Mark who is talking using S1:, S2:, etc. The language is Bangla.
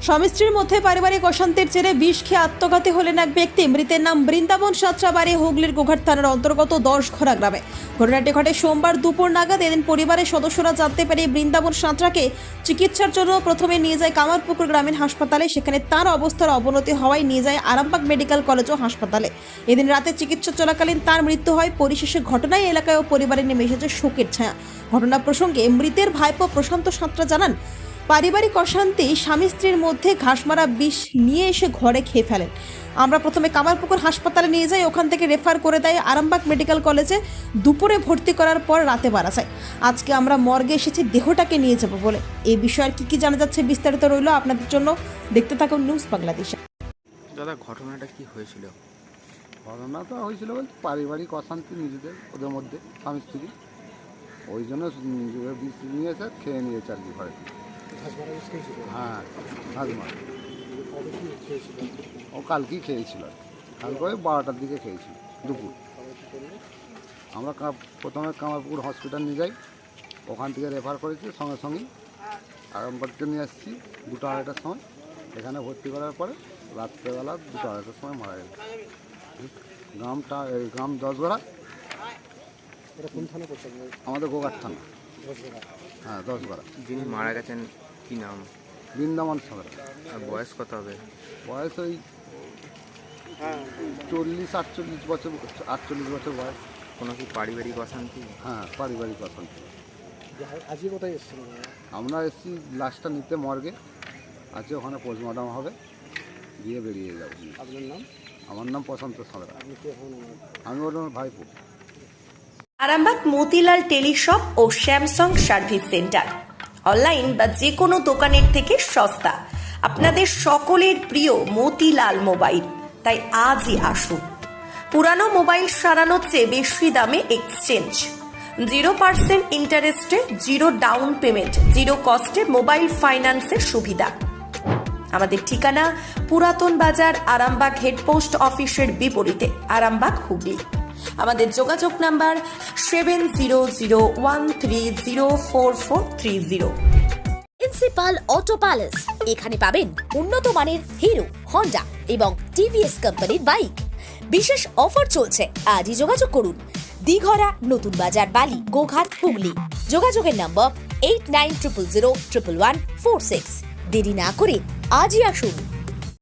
S1: স্বামী স্ত্রীর মধ্যে পারিবারিক অশান্তির জেরে বিষ খেয়ে আত্মঘাতী হলেন এক ব্যক্তি। মৃতের নাম বৃন্দাবন সাঁতরাবাড়ি, হুগলির গোঘাট থানার অন্তর্গত 10ঘরা গ্রামে। ঘটনাটি ঘটে সোমবার দুপুর নাগাদ। এদিন পরিবারের সদস্যরা জানতে পেরে বৃন্দাবন সাঁতরাকে চিকিৎসার জন্য প্রথমে নিয়ে যায় কামারপুকুর গ্রামীণ হাসপাতালে। সেখানে তার অবস্থার অবনতি হওয়ায় নিয়ে যায় আরামবাগ মেডিকেল কলেজ ও হাসপাতালে। এদিন রাতে চিকিৎসা চলাকালীন তার মৃত্যু হয়। পরিশেষে ঘটনায় এলাকায় ও পরিবারে নেমে এসেছে শোকের ছায়া। ঘটনা প্রসঙ্গে মৃতের ভাইপো প্রশান্ত সাঁতরা জানান, পারিবারিক অশান্তি স্বামী স্ত্রীর মধ্যে ঘাসমারা বিষ নিয়ে এসে ঘরে খেয়ে ফেলেন। আমরা প্রথমে কামারপুকুর হাসপাতালে নিয়ে যাই, ওখান থেকে রেফার করে দেয় আরামবাগ মেডিকেল কলেজে। দুপুরে ভর্তি করার পর রাতে মারা যায়। আজকে আমরা মর্গে এসেছি দেহটাকে নিয়ে যাব বলে। এই বিষয়ে কি জানা যাচ্ছে বিস্তারিত রইল আপনাদের জন্য, দেখতে থাকুন নিউজ বাংলাদেশে।
S2: দাদা, ঘটনাটা কি হয়েছিল?
S3: ঘটনা তো হয়েছিল বলতে পারিবারিক অশান্তি নিজেদের ওদের মধ্যে, স্বামী স্ত্রী। ওই জন্য বিষ নিয়েছে, খেয়ে নিয়েছে আর কি ঘরে। হ্যাঁ, হাজমার ও কালকেই খেয়েছিল আর কি। কালকে ওই 12টার দিকে খেয়েছিল দুপুর। আমরা প্রথমে কামারপুর হসপিটাল নিয়ে যাই, ওখান থেকে রেফার করেছি। সঙ্গে সঙ্গেই আরামবাগকে নিয়ে আসছি 2টা-2:30টার সময়। এখানে ভর্তি করার পরে রাত্রেবেলা 2টা-2:30টার সময় মারা গেল। গ্রাম 10ঘরা। আমাদের গোঘাট থানা। হ্যাঁ, 10ঘরা।
S2: যিনি মারা গেছেন কি নাম?
S3: বৃন্দাবন সাঁতরা।
S2: আর বয়স কত হবে?
S3: বয়স ওই 40-48 বছর, 48 বছর বয়স।
S2: কোনো কি পারিবারিক অশান্তি?
S3: হ্যাঁ, পারিবারিক অশান্তি।
S4: আজকে কোথায় এসেছিলেন?
S3: আমরা এসেছি লাশটা নিতে মর্গে। আজকে ওখানে পোস্টমর্টম হবে, দিয়ে বেরিয়ে যাবো।
S4: আপনার নাম?
S3: আমার নাম প্রশান্ত সাঁতরা।
S4: আপনি কে হন?
S3: আমি ওর ভাইপো।
S5: আরামবাগ মতিলাল টেলিশপ ও স্যামসাং সার্ভিস সেন্টার অনলাইন বা যে কোনো দোকানের থেকে সস্তা। আপনাদের সকলের প্রিয় মতিলাল মোবাইল। তাই আজই আসুন। পুরানো মোবাইল সারানোর চেয়ে বেশি দামে এক্সচেঞ্জ, 0% ইন্টারেস্টে, 0 ডাউন পেমেন্ট, 0 কস্টে মোবাইল ফাইন্যান্সের সুবিধা। আমাদের ঠিকানা পুরাতন বাজার, আরামবাগ হেডপোস্ট অফিসের বিপরীতে, আরামবাগ, হুগলি। আমাদের যোগাযোগ নাম্বার 7001304430।
S6: প্রিন্সিপাল অটো প্যালেস, এখানে পাবেন উন্নত মানের হিরো, হন্ডা এবং টিভিএস কোম্পানির বাইক। বিশেষ অফার চলছে, আজই যোগাযোগ করুন। দিঘরা, নতুন বাজার, বালি, গোঘাট, হুগলি। যোগাযোগের নম্বর 8900011146। দেরি না করে আজই আসুন।